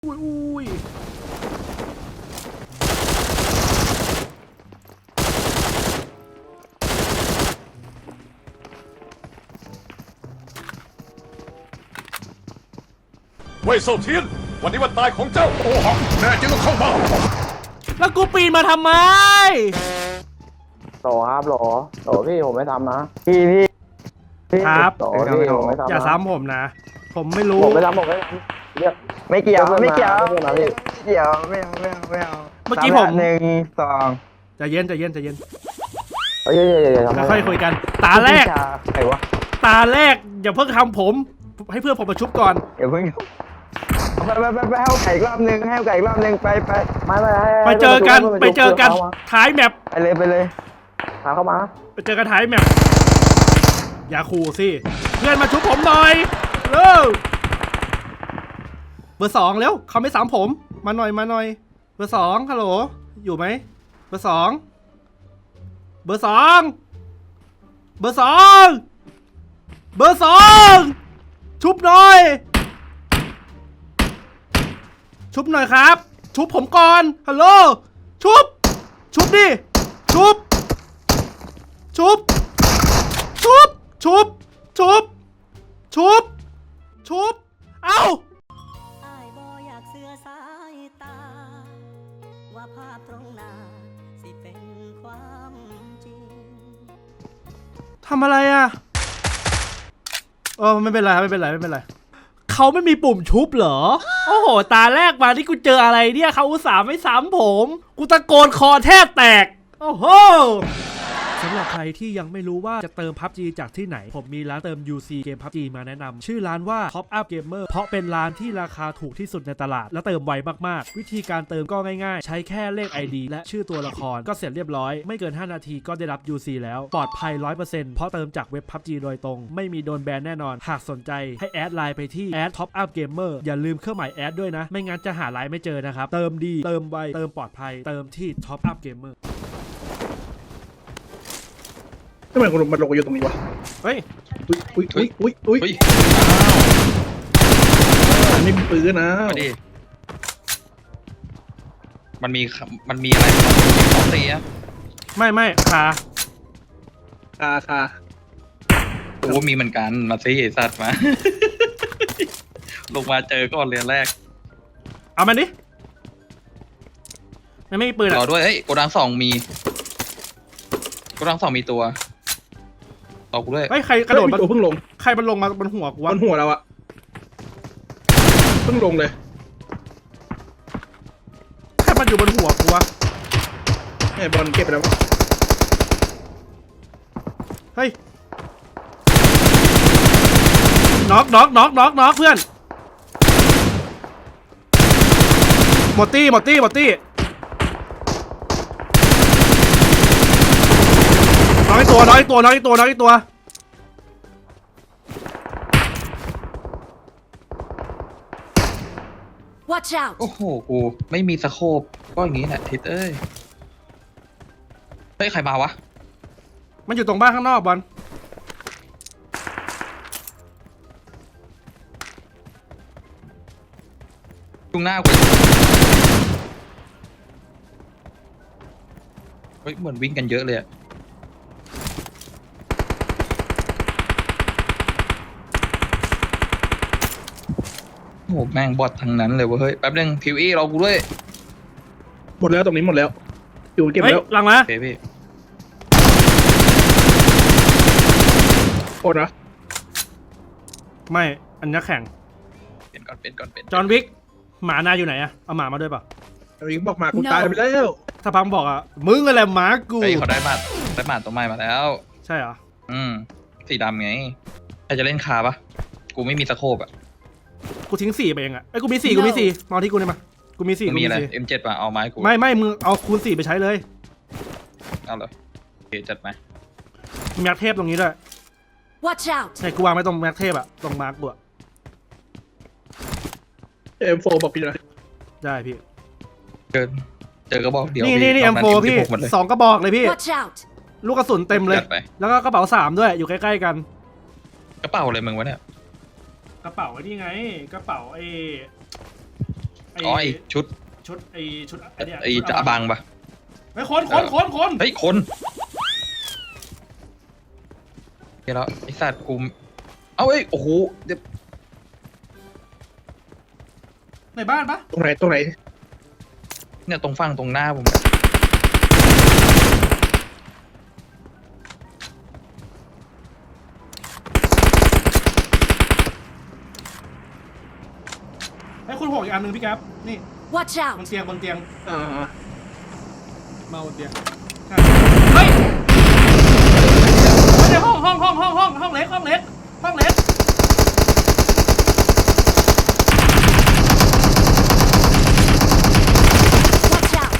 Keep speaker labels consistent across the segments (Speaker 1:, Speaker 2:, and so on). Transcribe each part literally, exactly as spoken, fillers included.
Speaker 1: อุ้ยอุ้ย
Speaker 2: เว่ยเซาเทียนวันนี้วันตายของเจ้าโอหังแน่จริงก็เข้ามา
Speaker 1: แล้วกูปีนมาทำไม
Speaker 3: โหลครับโหลโหลพี่ผมไม่ทำนะพี่พี่พี่
Speaker 1: ครับ
Speaker 3: โหลพี่ผมไม่ทำนะ
Speaker 1: อย่าซ้ำผมนะ ผมไม่รู้
Speaker 3: ผมไม่ทำผมไม่ทำเรียก
Speaker 4: ไม่เกี่ยวไม่เกี่ยว
Speaker 3: เพื่อนมาพี่
Speaker 4: ไม่เกี่ยวไม่เอาไม่เอาไม่เอา
Speaker 1: เมื่อกี้ผม
Speaker 4: หนึ่งสอง
Speaker 1: ใจเย็นใจเย็นใจเย็น
Speaker 3: เอ้ยเอ้ยเอ้ยเอ้ยทำ
Speaker 1: แล้ว
Speaker 3: ไม
Speaker 1: ค่อยคุยกัน ตาแรก
Speaker 4: ใครวะ
Speaker 1: ตาแรกอย่าเพิ่งทำผม ให้เพื่อนผมมาชุบก่อน
Speaker 4: เดี๋ยวเพิ่งไปไปไปไปให้ไก่อีกรอบหนึ่งให้ไก่อีกรอบหนึ่งไปไป
Speaker 3: ไม่ไม่ให้
Speaker 1: ไปเจอกัน
Speaker 3: ให้
Speaker 1: ไปเจอกัน
Speaker 3: ขามา
Speaker 1: ท้ายแมป
Speaker 4: ไปเลยไปเลย
Speaker 3: หาเข้ามา
Speaker 1: ไปเจอกันท้ายแมปอย่าขู่สิ เพื่อนมาชุบผมหน่อยเร็วเบอร์สองเร็วเขาไม่สามผม มาหน่อยมาหน่อย เบอร์สองฮัลโหล อยู่ไหม เบอร์สอง เบอร์สอง เบอร์สอง เบอร์สอง ชุบหน่อย ชุบหน่อยครับ ชุบผมก่อน ฮัลโหล ชุบ ชุบดิ ชุบ ชุบ ชุบ ชุบ ชุบ ชุบ ชุบ เอ้า
Speaker 5: อ้ายบ่อยากเสือสายตา ว่าภาพตรงหน้าสิเป็นความจริง
Speaker 1: ทำอะไรอ่ะเออไม่เป็นไรไม่เป็นไรไม่เป็นไรเขาไม่มีปุ่มชุบเหรอ โอ้โห ตาแรกมาที่กูเจออะไรเนี่ยเขาอุตส่าห์ไม่ซ้ำผม กูตะโกนคอแทบแตก โอ้โหสำหรับใครที่ยังไม่รู้ว่าจะเติม พับจี จากที่ไหน ผมมีร้านเติม ยู ซี เกม พับจี มาแนะนำชื่อร้านว่า Top Up Gamer เพราะเป็นร้านที่ราคาถูกที่สุดในตลาดและเติมไวมากๆวิธีการเติมก็ง่ายๆใช้แค่เลข ไอ ดี และชื่อตัวละครก็เสร็จเรียบร้อยไม่เกินห้านาทีก็ได้รับ ยู ซี แล้วปลอดภัย ร้อยเปอร์เซ็นต์ เพราะเติมจากเว็บ พับจี โดยตรงไม่มีโดนแบนแน่นอนหากสนใจให้แอดไลน์ไปที่ แอด Top Up Gamer อย่าลืมเครื่องหมายแอดด้วยนะไม่งั้นจะหาไลน์ไม่เจอนะครับเติมดีเติมไวเติมปลอดภัยเติมที่ Top Up Gamer
Speaker 6: ทำไมมันลงอยู่ตรงนี้วะ
Speaker 1: เฮ้ย
Speaker 6: อุ้ยอุ้ยอุ้ยอุ้ยอุ้ย
Speaker 7: เฮ้ย
Speaker 6: ไม่มีปืนนะ
Speaker 7: มาดิ มันมีคำมันมีอะไรสองตีอะ
Speaker 1: ไม่ไม่ขา
Speaker 6: คาคา
Speaker 7: โอ้มีเหมือนกัน มาซิไอ้สัตว์มา ลงมาเจอก่อนเรียนแรก
Speaker 1: เอามันดิไม่ไม่มีปืน
Speaker 7: รอ
Speaker 1: อ่ะ
Speaker 7: ด้วย เฮ้ยโกดังสองมีโกดังสองมีตัวรอกูด้วย
Speaker 1: เฮ้ยใครกระโดด
Speaker 6: เฮ้ย
Speaker 1: มา
Speaker 6: ตัวเพิ่งลง
Speaker 1: ใครมันลงมาบนหัวกู
Speaker 6: บ
Speaker 1: วะ
Speaker 6: นหัวเราอะเพิ่งลงเลย
Speaker 1: ใครมันอยู่บนหัวกูวะ
Speaker 6: ไอ้บอลเก็บไปแล้ววะ
Speaker 1: เฮ้ยน็อกน็อกน็อกน็อกน็อกเพื่อนหมดตี้หมดตี้หมดตี้น้อยตัวน้อยตัวน้อยตัวน้อยตัว
Speaker 5: Watch out
Speaker 7: โอ้โห กูไม่มีสโคปก็อย่างงี้แหละทิศเอ้ย เฮ้ย ใครมาวะ
Speaker 1: มันอยู่ตรงบ้านข้างนอกบอล
Speaker 7: จุงหน้ากูเฮ้ย เหมือนวิ่งกันเยอะเลยอะโอ้โห แม่งบอททั้งนั้นเลยเว้ยเฮ้ย แป๊บนึงพิวอี้รอกูด้วย
Speaker 6: หมดแล้วตรงนี้หมดแล้วอยู่เก็บ
Speaker 1: เฮ้ย
Speaker 6: แล้ว
Speaker 1: หลังมา
Speaker 7: โอเคพี่
Speaker 6: โคตรนะ
Speaker 1: ไม่อันนี้แข่ง
Speaker 7: เปลี่ยนก่อนเปลี่ยนก่อนเปลี่ยน
Speaker 1: จอห์นวิกหมานาอยู่ไหนอะเอาหมามาด้วยเปล่ะ
Speaker 6: ตอนนี้บอกมากูตายไปแล้ว
Speaker 1: ถ้าพังบอกอะมึงอะไรหมากู
Speaker 7: เฮ้ยเขาได้มาได้มาตัวใหม่มาแล้ว
Speaker 1: ใช่เหรอ
Speaker 7: อืม สีดำไง ใครจะเล่นคาปะกูไม่มีสโคปอะ
Speaker 1: กูทิ้งสี่ไปเองอะไอ้ยกูมีสี่กูมีสี่มาเอาที่กูได้มากูมีสี่
Speaker 7: กู
Speaker 1: กู
Speaker 7: มี
Speaker 1: มี
Speaker 7: อะไร
Speaker 1: สี่
Speaker 7: เอ็ม เจ็ด ป่ะ เอาไม้กู
Speaker 1: ไม่ไม่มึงเอาคูณสี่ไปใช้เลย
Speaker 7: เอาเลยโอเคจัดไหม
Speaker 1: มีแม็กเทพตรงนี้ด้วย
Speaker 5: Watch out
Speaker 1: ใช่กูวางไว้ตรงแม็กเทพอะตรงมาร์กกูอะ
Speaker 6: เอ็มโฟบอกพี่หน่อย
Speaker 1: ได้พี่
Speaker 7: เกินเจอกระบอกเดียว
Speaker 1: นี่นี่นี่
Speaker 7: น
Speaker 1: เอ็
Speaker 7: อก
Speaker 1: ม
Speaker 7: นั้น
Speaker 1: โฟพี่
Speaker 7: เอ็มสิบหกหมดเลย
Speaker 1: สองกระบอกเลยพี่
Speaker 5: Watch out
Speaker 1: ลูกกระสุนเต็มเลย
Speaker 7: จัดไป
Speaker 1: แล้วก็กระเป๋าสามด้วยอยู่ใกล้ๆกัน
Speaker 7: กระเป๋าอะไรมึงวะเนี่ย
Speaker 1: กระเป๋าไอ้นี่ไงกระเป๋าไอ้ไอ้
Speaker 7: อ๋อไอชุด
Speaker 1: ชุดไอ้ชุดไอ้เนี่ย
Speaker 7: ไอจะอบังปะ
Speaker 1: ไอ้คนคนคนคน
Speaker 7: เฮ้ยคนเดี๋ยวแล้วไอสัตว์กูเอ้าเอ้ยโอ้โหเดี๋ยว
Speaker 1: ในบ้านปะ
Speaker 6: ตรงไหนตรงไหน
Speaker 7: เนี่ยตรงฝั่งตรงหน้าผม
Speaker 1: ไอ้คุณหกอีกอันหนึ่งพี่แก๊ปนี่
Speaker 5: Watch
Speaker 1: บ
Speaker 5: out!
Speaker 1: นเตียงบนเตียง
Speaker 6: อ่า
Speaker 1: มาบนเตียงใช่เฮ้ยไม่ใช่ห้องห้องห้องห้องห้องห้องเล็กห้องเล็กห้องเล็ก
Speaker 5: Watch out!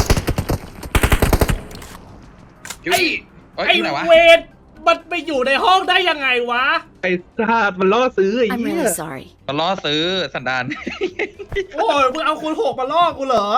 Speaker 7: ไอ้เอ้ย
Speaker 1: ไอ้
Speaker 7: ที่ไหนวะ
Speaker 1: เวทมันไปอยู่ในห้องได้ยังไงวะ
Speaker 6: ไอ้ซาดมันล่อซื้อไอ้
Speaker 5: I'm
Speaker 6: เหี้ย
Speaker 5: really sorry.
Speaker 7: มาล่อซื้อสันดาน
Speaker 1: โอ้ยมึงเอาคูณหกมาล่อกูเหรอ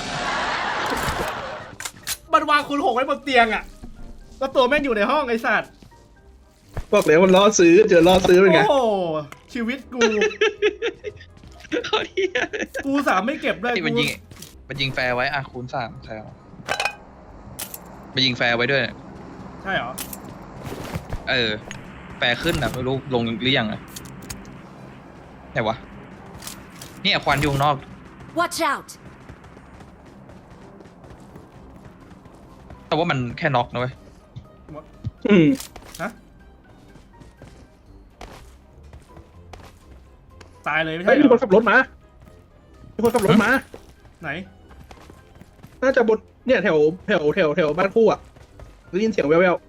Speaker 1: มันวางคูณหกไว้บนเตียงอะแล้วตัวแม่งอยู่ในห้องไอ้สัตว์
Speaker 6: บอกแล้วมันล่อซื้อเจอล่อซื้อเป็นไง
Speaker 1: โอ้โหชีวิตกู
Speaker 7: เขาเหี้ย
Speaker 1: กูสามไม่เก็บด้วย
Speaker 7: ไอ้มันยิงมันยิงแฟร์ไว้อะคูณสามใช่ครับมันยิงแฟร์ไว้ด้วย
Speaker 1: ใช่เหรอ
Speaker 7: เออ แฟร์ขึ้นอะไม่รู้ลงหรือยังอะไหนวะเนี่ยควันอยู่ข้างนอก
Speaker 5: Watch out!
Speaker 7: แต่ว่ามันแค่น็อกนะเว้ย
Speaker 6: อืม
Speaker 1: ฮะตายเลยไม่
Speaker 6: เฮ้
Speaker 1: ใช่
Speaker 6: ย
Speaker 1: เหร
Speaker 6: มีคน
Speaker 1: อ
Speaker 6: ขับรถมามีคนขับรถมา
Speaker 1: ไหน
Speaker 6: น่าจะบนเนี่ยแถวแถวแถวแถวบ้านคู่อ่ะได้ยินเสียงแว่ว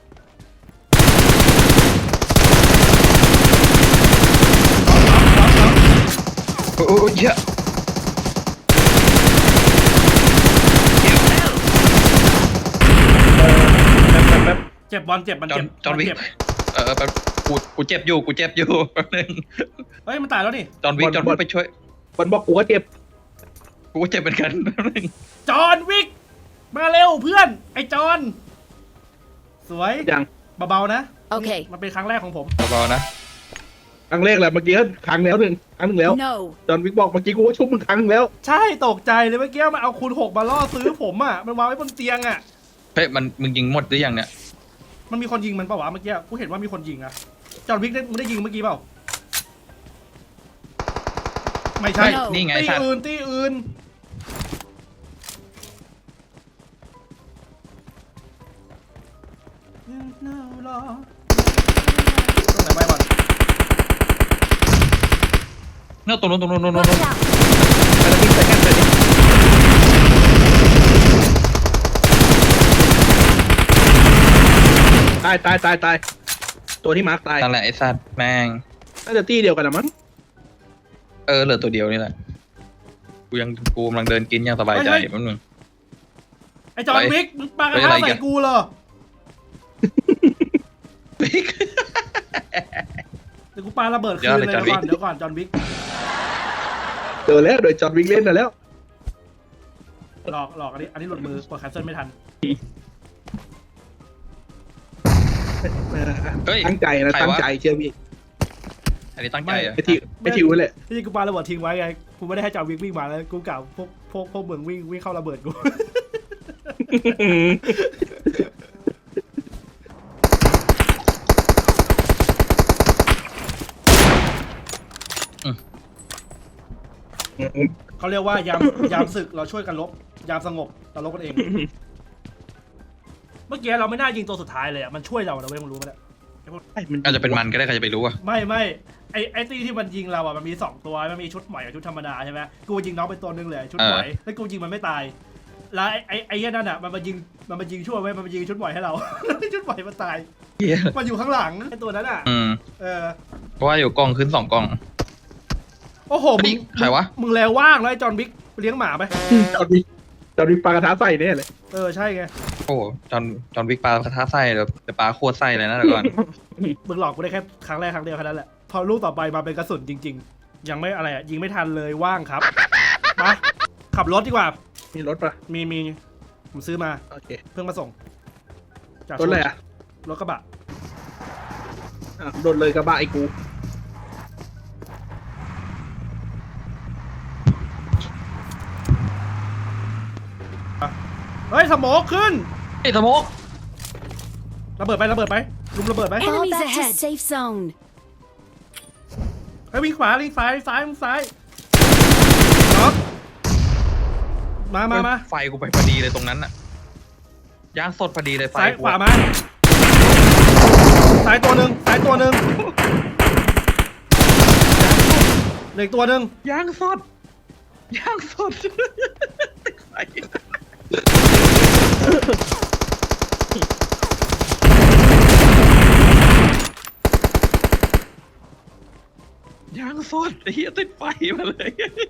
Speaker 7: โอ้โหเยอะ
Speaker 6: ๆแบบแบบ
Speaker 1: เจ็บบอลเจ็บมัน
Speaker 7: จอ
Speaker 1: เจ็
Speaker 7: น
Speaker 1: บ
Speaker 7: จอห์นวิก
Speaker 1: เจ็บ
Speaker 7: เออแป๊บกูกูเจ็บอยู่กูเจ็บอยู่แป๊บนึง
Speaker 1: เฮ้ยมันตายแล้วนี่
Speaker 7: จอห์นวิกจอห์นวิกไปช่วย
Speaker 6: บอลบอกกูก็เจ็บ
Speaker 7: กูก็เจ็บเหมือนกันแป๊บนึง
Speaker 1: จอห์นวิกมาเร็วเพื่อน ไอ้จอห์นสวย
Speaker 6: ยัง
Speaker 1: เบาๆนะ
Speaker 5: โอเค
Speaker 1: มันเป็นครั้งแรกของผม
Speaker 7: เบาๆนะ
Speaker 6: ครั้งแรกแหละเมื่อกี้ก็ครั้งแล้วหนึ่งครั้งหนึ่งแล้ว
Speaker 5: No!
Speaker 6: จอห์นวิกบอกเมื่อกี้กูก็ชุบมึงครั้งหนึ่งแล้ว
Speaker 1: ใช่ตกใจเลยเมื่อกี้มันเอาคูณหกมาล่อซื้อผมอ่ะมันวางไว้บนเตียงอ่ะ
Speaker 7: เฮ้ยมันมึงยิงหมดหรือยังเนี่ย
Speaker 1: มันมีคนยิงมันเปล่าวะเมื่อกี้กูเห็นว่ามีคนยิงอะจอห์นวิกได้มึงได้ยิงเมื่อกี้เปล่าไม่ใช่
Speaker 5: No
Speaker 7: นี่ไง
Speaker 1: ตี
Speaker 7: สัตว์
Speaker 1: อื่นตีอื่นตรงไหนไม่บอล
Speaker 7: เนี่ยตรงนู้นตรงนู้นตรงนู้น
Speaker 5: Watch out!
Speaker 6: ไปแล้ววิ่งใส่แค่เลยตายตายตายตายตัวที่มาร์คตาย
Speaker 7: นั่นแหละไอ้สัตว์แม่ง
Speaker 6: น่าจะตี้เดียวกันนะมั้ง
Speaker 7: เออเหลือตัวเดียวนี่แหละกูยังกูกำลังเดินกินอย่างสบายใจแป๊บนึง
Speaker 1: ไอ้จอห์นวิกมึงปากระ
Speaker 7: เฮ้ยอะไร
Speaker 1: ทะ
Speaker 7: อีก
Speaker 1: ใส่
Speaker 7: อะ
Speaker 1: กูเหรอเดี๋ยวกูปาระเบิดคืนเลย
Speaker 7: เดี๋ยว
Speaker 1: เดี๋ยว
Speaker 7: เลย
Speaker 1: ก่อนเดี๋ยวก่อนจอห์นวิก
Speaker 6: เจอแล้วโดยจอห์นวิกเล่นมาแล้ว
Speaker 1: หลอกหลอกอันนี้อันนี้หลุดมือกดแคนเซิลไม่ทัน
Speaker 7: เฮ้ย
Speaker 6: ตั้งใจนะ
Speaker 7: ใครวะ
Speaker 6: ตั้งใจเชื่อพี่
Speaker 7: อันนี้ตั้งใจอะ
Speaker 6: ไอทิวไอทิวนั่นแหละ
Speaker 1: ที่กูปาระเบิดทิ้งไว้ไงกูไม่ได้ให้จอห์นวิกวิ่งมาแล้วกูกล่าวพวกพวกพวกเมืองวิ่งวิ่งเข้าระเบิดกู เขาเรียกว่ายามยามศึกเราช่วยกันลบยามสงบเราลบกันเอง เมื่อกี้เราไม่น่ายิงตัวสุดท้ายเลยอ่ะมันช่วยเรานะเว้ยมึงรู้ไหมเนี่ย
Speaker 7: อาจจะเป็นมันก็ได้ใครจะไปรู้อะ
Speaker 1: ไม่ไม่ไอไอตีที่มันยิงเราอ่ะมันมีสองตัวมันมีชุดใหม่กับชุดธรรมดาใช่ไหมกูยิงน้องไปตัวนึงเลยชุดใหม่แล้วกูยิงมันไม่ตายแล้วไอไอไอ้เหี้ยนั่นอ่ะมันมายิงมันมายิงชั่วไว้มันมายิงชุดใหม่ให้เรา ชุดใหม่มันตาย
Speaker 7: เหี้ย
Speaker 1: มันอยู่ข้างหลังไอตัวนั้นอ่ะ
Speaker 7: อืม
Speaker 1: เออ
Speaker 7: เพราะว่าอยู่กล้องขึ้นสองกล้อง
Speaker 1: โอ้โหมึ
Speaker 7: เฮ้ย
Speaker 1: ง
Speaker 7: ใครวะ
Speaker 1: มึงแล้วว่างแล้วไอจอห์นบิ๊กเลี้ยงหมาไป
Speaker 6: จอห์นวิกจอห์นวิกปลากระทะใส่เนี่ยเลย
Speaker 1: เออใช่ไง
Speaker 7: โอ้โหจอนจอนวิกปลากระทะไส้เดี๋ยวเดี๋ยวปลาโคตรไส้เลยนะเดี๋ยวก่อน
Speaker 1: มึงหลอกกูได้แค่ครั้งแรกครั้งเดียวแค่นั้นแหละพอลูกต่อไปมาเป็นกระสุนจริง ๆ ยังไม่อะไรอ่ะยิงไม่ทันเลยว่างครับมาขับรถดีกว่า
Speaker 6: มีรถปะ
Speaker 1: มีมีผมซื้อมา
Speaker 6: โอเค
Speaker 1: เพิ่งมาส่งจาก
Speaker 6: รถอะไรอ่ะ
Speaker 1: รถกระบะ
Speaker 6: อ่ะโดนเลยกระบะไอ้กู
Speaker 1: เฮ้ยสโมกขึ้น
Speaker 7: ไอ้สโมก
Speaker 1: ระเบิดไประเบิดไปลุมระเบิดไป
Speaker 8: Fall back to safe zone.
Speaker 1: เฮ้ยวิ่งขวาวิ่งซ้ายซ้ายวิ่งซ้ายน็อกมามามา
Speaker 7: ไฟกูไปพอดีเลยตรงนั้นน่ะย่างสดพอดีเลยไฟ
Speaker 1: ซ้าย
Speaker 7: กู
Speaker 1: ขวามาซ้ายตัวหนึ่งซ้ายตัวหนึ่งเหลืออกตัวหนึ่ง
Speaker 7: ย่างสดย่างสดติดไฟย่างสดไอ้เหี้ยติดไฟมาเลย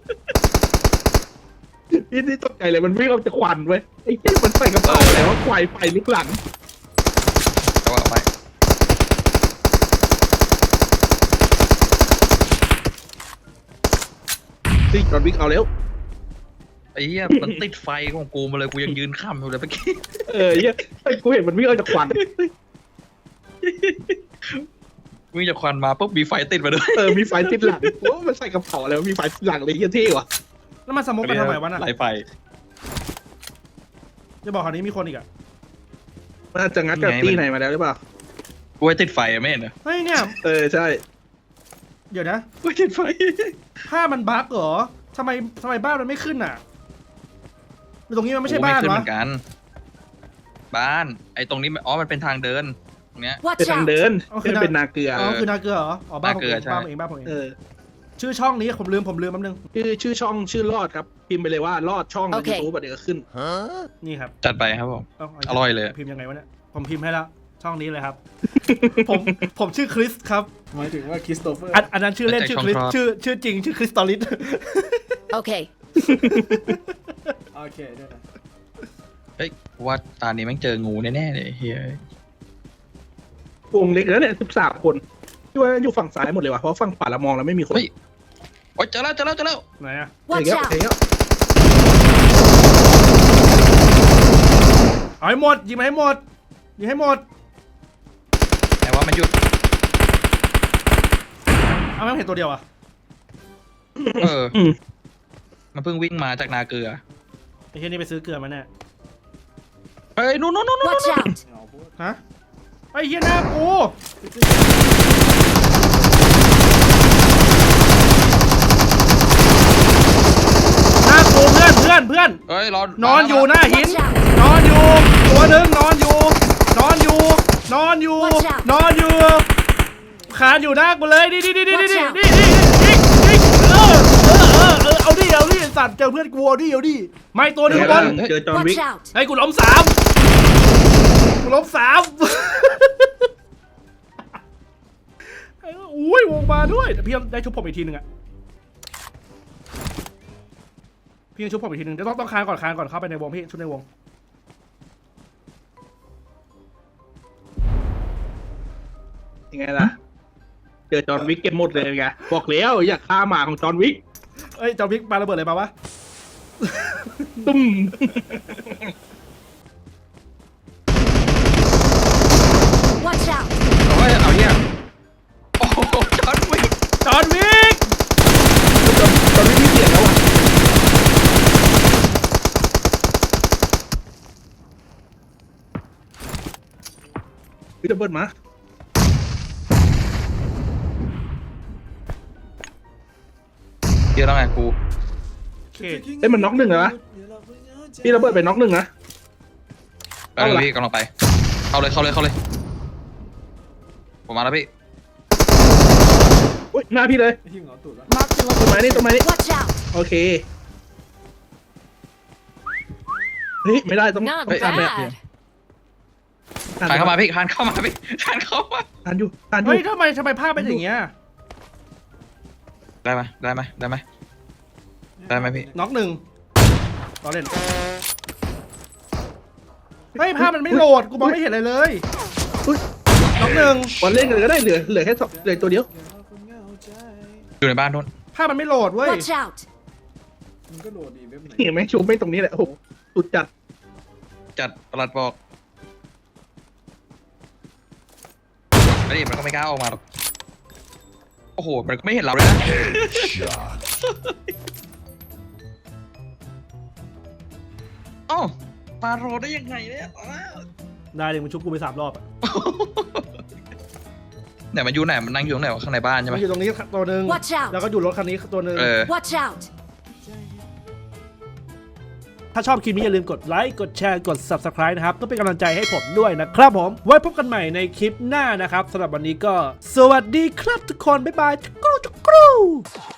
Speaker 6: นี่นี่ตกใจเลยมันวิ่งออกจากควันเว้ยไอ้เหี้ยมันใส่กระเป๋าแต่ว่าควายไฟลุกหลัง
Speaker 7: เอาเอาไป
Speaker 6: ซิจอห์นวิกเอาแล้ว
Speaker 7: ไอ้เหี้ยมันติดไฟของกูมาเลยกูยังยืนข้ามอยู่เลยเมื่อกี้
Speaker 6: เออไอ้เหี้ยไอ้กูเห็นมันวิ่งออกจากควัน
Speaker 7: วิ่งจากควันมาปุ๊บมีไฟติดมาด้วย
Speaker 6: เออมีไฟติดหลังว่ามันใส่กระเป๋าแล้วมีไฟติดหลังเลยเหี้ยเท่ว่ะ
Speaker 1: แล้วมันสโมกไปทำไมวะน่ะ
Speaker 7: ไหลไฟ
Speaker 1: จะบอกคราวนี้มีคนอีกอ่ะ
Speaker 6: มันอาจจะงัดกับตีไหนมาแล้วหรือเปล่า
Speaker 7: กูไว้ติดไฟอะไม่เห็นเหรอ
Speaker 1: เฮ้ยเนี่ย
Speaker 6: เออใช่
Speaker 1: เดี๋ยวนะ
Speaker 7: กูไว้ติดไฟ
Speaker 1: ผ้ามันบั๊กเหรอทำไมทำไมบ้านมันไม่ขึ้นอ่ะหรือตรงนี้มันไม่ใช่บ้าน
Speaker 7: กูขึ้นเห
Speaker 1: วะ
Speaker 7: มือนกัน บ้าน ไอ้ตรงนี้มันอ๋อมันเป็นทางเดินตรงเนี้ย
Speaker 6: เป็น
Speaker 8: Watch
Speaker 6: ทาง
Speaker 8: out.
Speaker 6: เดิน
Speaker 1: อ๋อ
Speaker 6: ไม่ได้เป็นนาเกลือ
Speaker 1: อ๋อคือนาเกลือเหรออ๋อบ้านผมเอง
Speaker 7: นาเกลือใช่
Speaker 1: บ้านผมเองบ้านผมเอง
Speaker 6: เออ
Speaker 1: ชื่อช่องนี้ผมลืมผมลืมแป๊บนึง
Speaker 6: ชื่อชื่อช่องชื่อรอดครับ พิมพ์ไปเลยว่ารอดช่องใน
Speaker 8: โอเค
Speaker 6: ยูทูบเดี๋ยวก็ขึ้น
Speaker 1: นี่ครับ
Speaker 7: จัดไปครับผม
Speaker 1: เา
Speaker 7: อร่อยเลย
Speaker 1: พิมพ์ยังไงวะเนี่ยผมพิมพ์ให้แล้วช่องนี้เลยครับ ผมผมชื่อคริสครับหมายถึงว่าคริสโตเฟอร์อันอันนั้นชื่อเล่นชื่อคริสชื่อชื่อจริงชื่อคริสตอลิส
Speaker 8: Okay.
Speaker 1: โอเคด้วยนะ
Speaker 7: เฮ้ยกูว่าตานี้แม่งเจองูแน่ๆเลยเฮ้ยว
Speaker 6: งเล็กแล้วเนี่ยสิบสามคนที่ว่าอยู่ฝั่งซ้ายหมดเลยว่ะเพราะฝั่งขวาเรามองแล้วไม่มีคน
Speaker 7: เฮ้ยโอ๊ยเจอแล้วเจอแล้วเจอแล้ว
Speaker 1: ไหนอะ
Speaker 6: เอย่าง
Speaker 8: Watch
Speaker 6: เงี้ย
Speaker 8: out.
Speaker 6: อย่างเงี้ย
Speaker 1: เอาให้หมดยิงมาให้หมดยิงให้หมด
Speaker 7: แต่ว่ามันหยุด
Speaker 1: เอาไม่เห็นตัวเดียวอะ
Speaker 7: เออ
Speaker 6: อืม
Speaker 7: มันเพิ่งวิ่งมาจากนาเกลือ
Speaker 1: ไอ้เหี้ยนี่ไปซื้อเกลือมาแน่
Speaker 7: เฮ้ยนู่นนู่นนู่นนู่น
Speaker 8: Watch out.
Speaker 1: ฮะไอ้เหี้ยหน้ากูหน้ากูเพื่อนเพื่อนเพื่อน
Speaker 7: เฮ้ยรอน
Speaker 1: อนอยู่หน้าหิน
Speaker 8: Watch out.
Speaker 1: นอนอยู่ตัวหนึ่งนอนอยู่ นอนอยู่ นอนอยู่
Speaker 8: Watch out
Speaker 1: นอนอยู่คานอยู่หน้ากูเลยนี่นี่นี่นี่นี่
Speaker 8: Watch
Speaker 1: นี่
Speaker 8: out
Speaker 1: นี่นี่นี่เออเออเออเออเอาดิเอาดิสัตว์เจอเพื่อนกูเอาดิเอาดิไม่ตัวหนึ่งบน
Speaker 6: เจอจอห์นวิก
Speaker 8: Watch out.
Speaker 1: ไอ้กูล้มสามกูล้มสามไอ้อุ้ยวงมาด้วยแต่พี่ได้ชุบผมอีกทีหนึ่งอะพี่ยังชุบผมอีกทีหนึ่งเดี๋ยวต้องต้องคานก่อนคานก่อนเข้าไปในวงพี่ชุบในวง
Speaker 6: ยังไงล่ะ เจอจอห์นวิกเก็บหมดเลยไงบอกแล้วอยากฆ่าหมาของจอห์นวิก
Speaker 1: เอ้ยจอมพิกปาระเบิดอะไรมาวะ
Speaker 6: ตุ้ม
Speaker 8: Watch out.
Speaker 7: เฮ้ยเอาเนี่ยโอ้โหจอดวิ่ง
Speaker 1: จอห์นวิก
Speaker 6: จอห์นวิกมีเสียงแล้วอ่ะวิดเบิร์ดมา
Speaker 7: เดี๋ยวแล้วไงกู
Speaker 1: โอเค
Speaker 6: เอ้ยมันน็อกหนึ่งเหรอวะพี่ระเบิดไปน็อกหนึ่งนะ
Speaker 7: ไปเลยพี่กำลังไป เข้าเลยเข้าเลยเข้าเลย ผมมาแล้วพี่
Speaker 6: อุ้ยหน้าพี่เลย
Speaker 8: Mark the
Speaker 6: ต้นไม้นี่
Speaker 8: location.
Speaker 6: ต้นไม้นี่
Speaker 8: Watch out.
Speaker 6: โอเคเฮ้ยไม่ได้ต้อง
Speaker 8: Not
Speaker 6: ต้องการแบบ
Speaker 8: bad.
Speaker 7: คานเข้ามาพี่คานเข้ามาพี่คานเข้ามา
Speaker 6: ทานอยู่ทานอยู่
Speaker 1: เฮ้ยทำไมทำไมภาพเป็นอย่างเงี้ย
Speaker 7: ได้ไหมได้ไหมได้ไหมได้ไหมพี่
Speaker 1: น็อกหนึ่งต่อเล่นเฮ้ยภาพมันไม่โหลดกูมองไม่เห็นอะไรเลย
Speaker 6: อุ๊ย
Speaker 1: น็อกหนึ่ง
Speaker 6: บอลเล่นเลยก็ได้เหลือเหลือแค่สองเหลือตัวเดียว
Speaker 7: อยู่ในบ้านนู้น
Speaker 1: ภาพมันไม่โหลดเว้ย
Speaker 8: Watch out.
Speaker 6: เห็นไหมชูไม่ตรงนี้แหละโอ้โหสุดจัด
Speaker 7: จัดประหลัดบอกไอ้นี่มันก็ไม่กล้าออกมาหรอกโอ้โหมันก็ไม่เห็นเราเลยนะอ๋อปาโรได้ยังไงเนี่ย
Speaker 1: ได้เลยมึงชุบกูไปสามรอบอะ
Speaker 7: ไหนมันอยู่ไหนมันนั่งอยู่ตรงไหนวะข้างในบ้านใช่ไหม
Speaker 1: มันอยู่ตรงนี้ตัวหนึ่ง
Speaker 8: Watch out
Speaker 1: แล้วก็อยู่รถคันนี้ตัวหนึ่ง
Speaker 7: เออ
Speaker 8: Watch out!
Speaker 1: ถ้าชอบคลิปนี้อย่าลืมกดไลค์ กดแชร์ กด ซับสไครบ์ นะครับเพื่อเป็นกำลังใจให้ผมด้วยนะครับผม ไว้พบกันใหม่ในคลิปหน้านะครับสำหรับวันนี้ก็ สวัสดีครับทุกคน บ๊ายบายจุกรูจุกรู